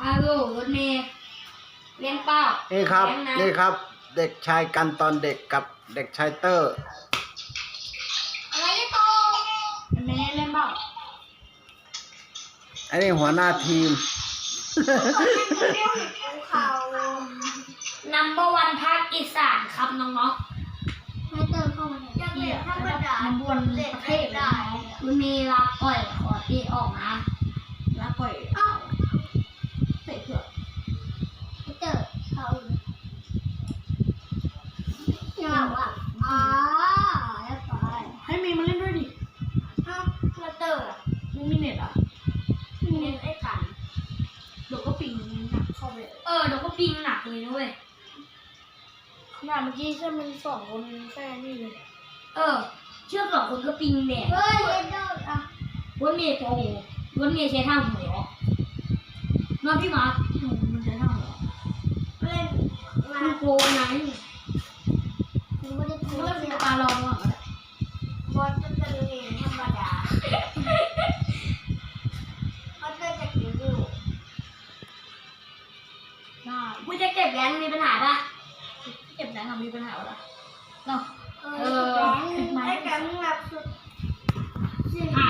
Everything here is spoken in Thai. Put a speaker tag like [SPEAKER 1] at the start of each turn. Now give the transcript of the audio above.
[SPEAKER 1] อาโลรถเมย์เลี้ยงเป้า
[SPEAKER 2] นี่ครับ
[SPEAKER 1] เลี้ยงนะ
[SPEAKER 2] นี่ครับ เด็กชายกันตอนเด็กกับเด็กชายเตอร์
[SPEAKER 1] อะไรเนี่ยโตเมย์เล่นเปล่า
[SPEAKER 2] อันนี้หัวหน้าทีม
[SPEAKER 1] เขานัมเบอร์วันภาคอีสานครับน้องๆให้เติมเข้ามาเนี่ยเหี้ยมันบวนประเทศได้รถเมย์รับปล่อยขอตีออกนะรับปล่อยใส่เผือกให้เติมเข้าอย่าว่าแล้วไปให้มีมาเล่นด้วยดิแล้วเตอร์ไม่มีเน็ตอ่ะไม่มีเน็ตไอ้กันเดี๋ยวก็ปิงหนักเข้าไปเดี๋ยวก็ปิงหนักเลยนะเว้ยขนาดเมื่อกี้ใช่มันสองคนแค่นี่เลยเชื่อ2 คนก็ปิงแดดเฮ้ยเดอร์อ่ะวันเมย์โอ้โหวันเมย์ใช้ท่าหัวน้องพี่มามันใช้ท่าหัวเล่นมันโกงไงมันไม่ได้โกงเป็นปลาลองอ่ะบอลจะเป็นเองธรรมดาเขาจะเก็บอยู่ได้มึงจะเก็บแรงมีปัญหาปะเก็บแรงมีปัญหาปะเนาะไอ้แกมึงแบบสุด